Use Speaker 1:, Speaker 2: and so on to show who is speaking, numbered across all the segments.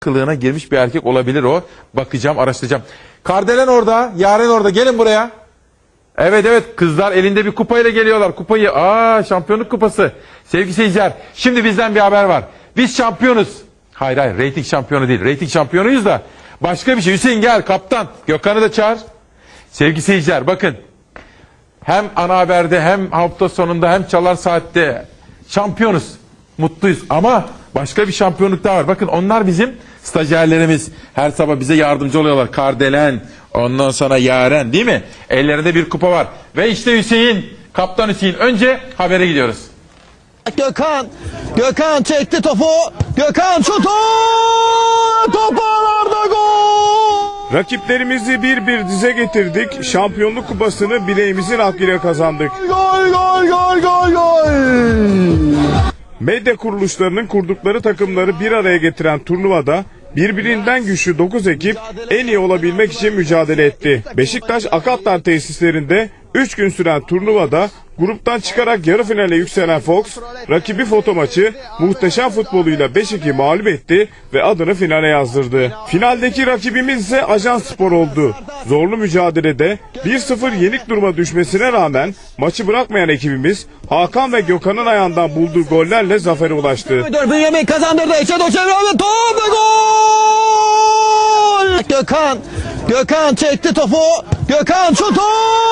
Speaker 1: kılığına girmiş bir erkek olabilir o. Bakacağım, araştıracağım. Kardelen orada, Yaren orada. Gelin buraya. Evet evet, kızlar elinde bir kupayla geliyorlar. Kupayı, şampiyonluk kupası. Sevgili seyirciler, şimdi bizden bir haber var. Biz şampiyonuz. Hayır, reyting şampiyonu değil. Reyting şampiyonuyuz da başka bir şey. Hüseyin gel, kaptan. Gökhan'ı da çağır. Sevgili seyirciler, bakın. Hem ana haberde, hem hafta sonunda, hem Çalar Saat'te şampiyonuz. Mutluyuz ama başka bir şampiyonluk daha var. Bakın, onlar bizim stajyerlerimiz. Her sabah bize yardımcı oluyorlar. Kardelen, ondan sonra Yaren, değil mi? Ellerinde bir kupa var. Ve işte Hüseyin, kaptan Hüseyin. Önce habere gidiyoruz.
Speaker 2: Gökhan çekti topu. Gökhan şutu. Topu ağlarda, gol.
Speaker 3: Rakiplerimizi bir dize getirdik. Şampiyonluk kupasını bileğimizin hakkıyla kazandık.
Speaker 2: Gol.
Speaker 3: Medya kuruluşlarının kurdukları takımları bir araya getiren turnuvada birbirinden güçlü 9 ekip en iyi olabilmek için mücadele etti. Beşiktaş Akatlar tesislerinde 3 gün süren turnuvada gruptan çıkarak yarı finale yükselen Fox, rakibi foto maçı muhteşem futboluyla 5-2 mağlup etti ve adını finale yazdırdı. Finaldeki rakibimiz ise Ajansspor oldu. Zorlu mücadelede 1-0 yenik duruma düşmesine rağmen maçı bırakmayan ekibimiz Hakan ve Gökhan'ın ayağından bulduğu gollerle zafere ulaştı.
Speaker 2: Bünyamin kazandırdı. İçe doğru çeviriyor ve top ve gol. Gökhan çekti topu. Gökhan şutu.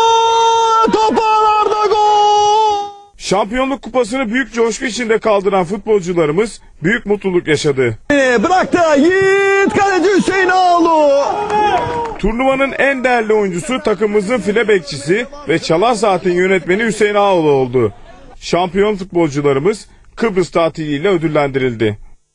Speaker 2: Topu ağlarda, gol.
Speaker 3: Şampiyonluk kupasını büyük coşku içinde kaldıran futbolcularımız büyük mutluluk yaşadı.
Speaker 2: Bıraktı. Yiğit kaleci Hüseyin Ağaoğlu.
Speaker 3: Turnuvanın en değerli oyuncusu takımımızın file bekçisi ve Çalar Saat'in yönetmeni Hüseyin Ağaoğlu oldu. Şampiyon futbolcularımız Kıbrıs tatiliyle ödüllendirildi.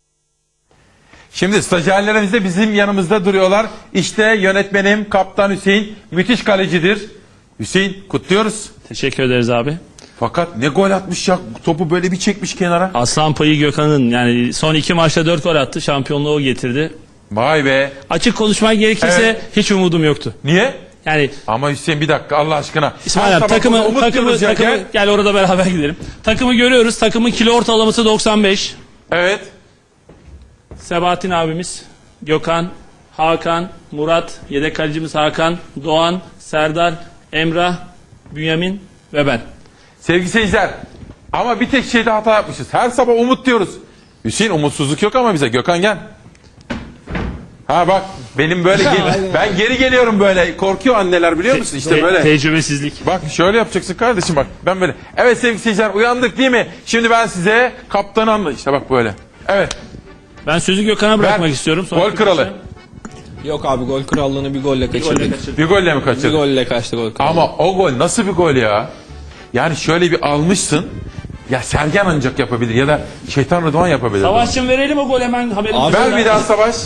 Speaker 1: Şimdi stajyerlerimiz de bizim yanımızda duruyorlar. İşte yönetmenim, kaptan Hüseyin. Müthiş kalecidir. Hüseyin, kutluyoruz.
Speaker 4: Teşekkür ederiz abi.
Speaker 1: Fakat ne gol atmış ya. Topu böyle bir çekmiş kenara.
Speaker 4: Aslan payı Gökhan'ın, yani son 2 maçta 4 gol attı. Şampiyonluğu o getirdi.
Speaker 1: Vay be.
Speaker 4: Açık konuşmak gerekirse
Speaker 1: Evet.
Speaker 4: hiç umudum yoktu.
Speaker 1: Niye?
Speaker 4: Yani
Speaker 1: Ama Hüseyin, bir dakika Allah aşkına.
Speaker 4: İsmail abi, takımı gel orada beraber gidelim. Takımı görüyoruz. Takımın kilo ortalaması 95.
Speaker 1: Evet.
Speaker 4: Sebahattin abimiz, Gökhan, Hakan, Murat, yedek kalecimiz Hakan, Doğan, Serdar, Emrah, Bünyamin ve ben.
Speaker 1: Sevgili seyirciler, ama bir tek şeyde hata yapmışız. Her sabah umut diyoruz. Hüseyin, umutsuzluk yok ama bize. Gökhan gel. Ha bak, benim böyle ben geri geliyorum böyle. Korkuyor anneler, biliyor musun? İşte böyle.
Speaker 4: Tecrübesizlik.
Speaker 1: Bak şöyle yapacaksın kardeşim, bak. Ben böyle. Evet sevgili seyirciler, uyandık değil mi? Şimdi ben size kaptanı anlatayım. İşte bak böyle. Evet.
Speaker 4: Ben sözü Gökhan'a bırakmak istiyorum.
Speaker 1: Gol kralı.
Speaker 5: Yok abi, gol krallığını bir golle kaçırdık.
Speaker 1: Bir golle mi
Speaker 5: Bir
Speaker 1: kaçırdın?
Speaker 5: golle kaçtı gol krallığı.
Speaker 1: Ama o gol nasıl bir gol ya? Yani şöyle bir almışsın. Ya Sergen ancak yapabilir ya da Şeytan Rıdvan yapabilir.
Speaker 4: Savaşçım verelim o gol hemen haberimizi.
Speaker 1: Ver bir daha Savaş.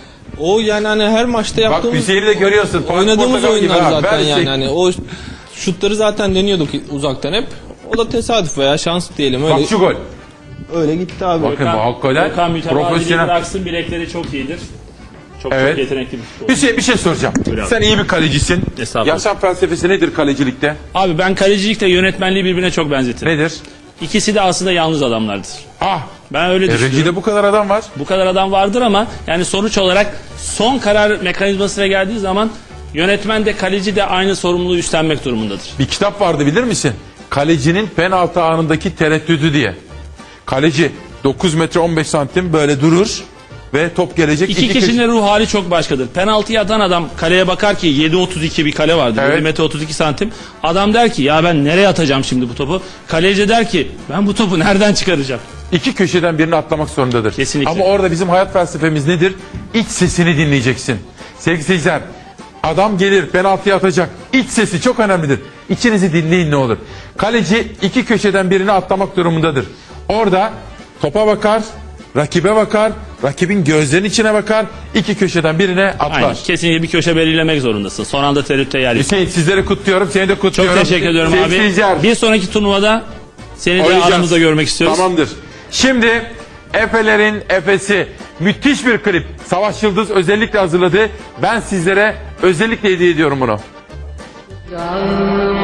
Speaker 5: O yani hani her maçta
Speaker 1: Bak
Speaker 5: yaptığımız,
Speaker 1: Hüseyin'i de görüyorsun.
Speaker 5: oynadığımız
Speaker 1: Portakal gibi
Speaker 5: oyunlar
Speaker 1: ha.
Speaker 5: zaten
Speaker 1: Ver
Speaker 5: yani.
Speaker 1: Hüseyin.
Speaker 5: Hani o şutları zaten deniyorduk uzaktan hep. O da tesadüf veya şans diyelim, öyle.
Speaker 1: Bak şu gol.
Speaker 5: Öyle gitti abi.
Speaker 1: Bakın bu hakikaten
Speaker 4: Gökhan mütevaziliği
Speaker 1: profesyonel.
Speaker 4: bıraksın, bilekleri çok iyidir. Çok
Speaker 1: Evet.
Speaker 4: yetenekli bir futbolcu.
Speaker 1: Hüseyin, bir şey soracağım.
Speaker 4: Buyur abi.
Speaker 1: Sen iyi bir kalecisin.
Speaker 4: Estağfurullah.
Speaker 1: Yaşam felsefesi nedir kalecilikte?
Speaker 4: Abi ben kalecilikle yönetmenliği birbirine çok benzetirim.
Speaker 1: Nedir?
Speaker 4: İkisi de aslında yalnız adamlardır.
Speaker 1: Ah.
Speaker 4: Ben öyle düşünüyorum.
Speaker 1: Reji'de bu kadar adam var.
Speaker 4: Bu kadar adam vardır ama yani sonuç olarak son karar mekanizmasına geldiği zaman yönetmen de kaleci de aynı sorumluluğu üstlenmek durumundadır.
Speaker 1: Bir kitap vardı, bilir misin? Kalecinin penaltı anındaki tereddüdü diye. Kaleci 9 metre 15 santim böyle durur ve top gelecek.
Speaker 4: İki kişinin ruh hali çok başkadır. Penaltıyı atan adam kaleye bakar ki 7.32 bir kale vardır.
Speaker 1: Evet.
Speaker 4: 7 metre 32 santim. Adam der ki ya ben nereye atacağım şimdi bu topu? Kaleci der ki ben bu topu nereden çıkaracağım?
Speaker 1: İki köşeden birini atlamak zorundadır.
Speaker 4: Kesinlikle.
Speaker 1: Ama orada bizim hayat felsefemiz nedir? İç sesini dinleyeceksin. Sevgili seyirciler, adam gelir penaltıya atacak. İç sesi çok önemlidir. İçinizi dinleyin ne olur. Kaleci iki köşeden birini atlamak durumundadır. Orada topa bakar, rakibe bakar, rakibin gözlerinin içine bakar, iki köşeden birine atlar.
Speaker 4: Aynen. Kesinlikle bir köşe belirlemek zorundasın. Son anda tereddütte yer yok.
Speaker 1: Hüseyin, sizleri kutluyorum, seni de
Speaker 4: Çok
Speaker 1: kutluyorum.
Speaker 4: teşekkür ediyorum
Speaker 1: Sevgili
Speaker 4: abi.
Speaker 1: seyirciler,
Speaker 4: Bir sonraki turnuvada seni de
Speaker 1: oynayacağız.
Speaker 4: aramızda görmek istiyoruz.
Speaker 1: Tamamdır. Şimdi Efelerin Efesi, müthiş bir klip. Savaş Yıldız özellikle hazırladı. Ben sizlere özellikle hediye ediyorum bunu.